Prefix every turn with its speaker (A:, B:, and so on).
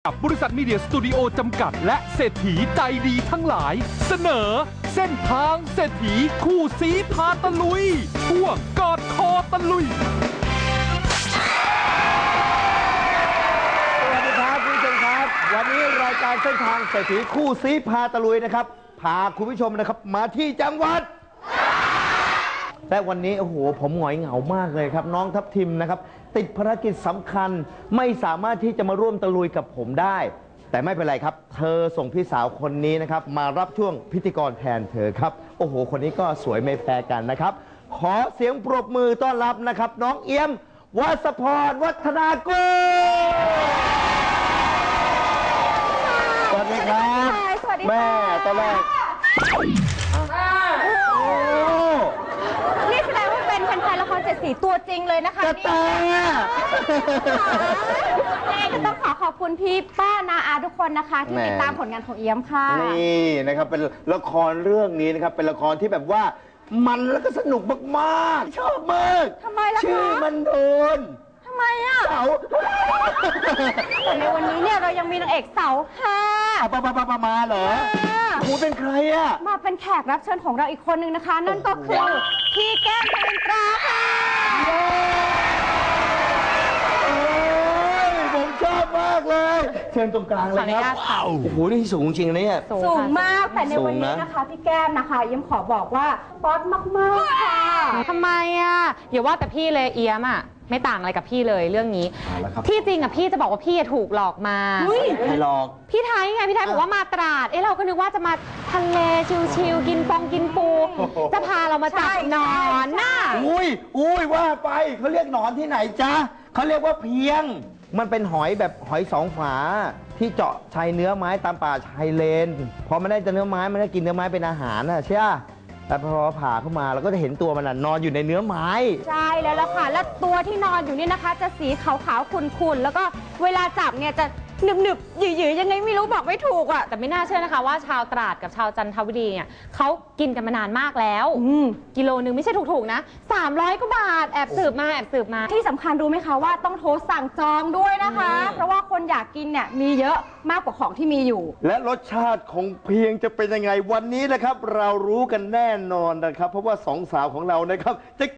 A: บริษัทมีเดียสตูดิโอจำกัดและเศรษฐีใจดีทั้งหลาย เสนอเส้นทางเศรษฐีคู่สีพาตะลุยช่วงกอดคอตะลุย
B: สวัสดีครับคุณผู้ชมครับวันนี้รายการเส้นทางเศรษฐีคู่ซีพาตะลุยนะครับพาคุณผู้ชมนะครับมาที่จังหวัดและวันนี้โอ้โหผมหงอยเหงามากเลยครับน้องทัพทิมนะครับติดภารกิจสำคัญไม่สามารถที่จะมาร่วมตะลุยกับผมได้ แต่ไม่เป็นไรครับเธอส่งพี่สาวคนนี้นะครับมารับช่วงพิธีกรแทนเธอครับโอ้โหคนนี้ก็สวยไม่แพ้กันนะครับขอเสียงปรบมือต้อนรับนะครับน้องเอี้ยมวัสพรวัฒนากุลสวัสดีครับแม่ตอนแรก
C: นี่แสดงว่าเป็นแฟนๆละครเจ็ดสีตัวจริงเลยนะคะ
B: กระแต
C: นี่ก็ต้องขอบคุณพี่ป้านาอาทุกคนนะคะที่ติดตามผลงานของเอี้ยมค่ะ
B: นี่นะครับเป็นละครเรื่องนี้นะครับเป็นละครที่แบบว่ามันแล้วก็สนุกมากๆชอบมาก
C: ทำไมล่ะคะ
B: ชื่อมันโดน
C: ทำไมอ่ะ
B: เสา
C: แต่ในวันนี้เนี่ยเรายังมีนางเอกเสาห้า
B: มาเหรอหูเป็นใครอ่ะ
C: มาเป็นแขกรับเชิญของเราอีกคนนึงนะคะ นั่นก็คือพี่แก้มเพลงตราค่ะ
B: ผมชอบมากเลยเชิญตรงกลางเลยครับโอ้โหนี่สูงจริงนะเนี่ย
C: สูงมากแต่ในวันนี้นะคะพี่แก้มนะคะเอี้ยมขอบอกว่าป๊อตมากๆค่ะ
D: ทำไมอ่ะอย่าว่าแต่พี่เลยเอี้ยมอ่ะไม่ต่างอะไรกับพี่เลยเรื่องนี้ที่จริงอ่ะพี่จะบอกว่าพี่ถูกหลอกมา
B: ใครหลอก
D: พี่ไทยไงพี่ไทยบอกว่ามาตราดเราก็นึกว่าจะมาทะเลชิลๆกินกินปูจะพาเรามาจับหนอนน่ะ
B: อุ้ยว่าไปเขาเรียกหนอนที่ไหนจ๊ะเขาเรียกว่าเพียงมันเป็นหอยแบบหอยสองฝาที่เจาะชายเนื้อไม้ตามป่าชายเลนพอมันได้เนื้อไม้มันได้กินเนื้อไม้เป็นอาหารนะใช่ไหมแต่พอผ่าเข้ามาเราก็จะเห็นตัวมันนอนอยู่ในเนื้อไม้
C: ใช่แล้วล่ะค่ะและตัวที่นอนอยู่นี่นะคะจะสีขาวๆขุ่นๆแล้วก็เวลาจับเนี่ยจะหนึบๆหยืดๆยังไงไม่รู้บอกไม่ถูกอ่ะ
D: แต่ไม่น่าเชื่อนะคะว่าชาวตราดกับชาวจันทบุรีเนี่ยเขากินกันมานานมากแล้วกิโลนึงไม่ใช่ถูกๆนะ300 กว่าบาทแอบสืบมา
C: ที่สำคัญรู้ไหมคะว่าต้องโทรสั่งจองด้วยนะคะเพราะว่าคนอยากกินเนี่ยมีเยอะมากกว่าของที่มีอยู่
B: และรสชาติของเพียงจะเป็นยังไงวันนี้นะครับเรารู้กันแน่นอนนะครับเพราะว่าสองสาวของเรานะครับจะ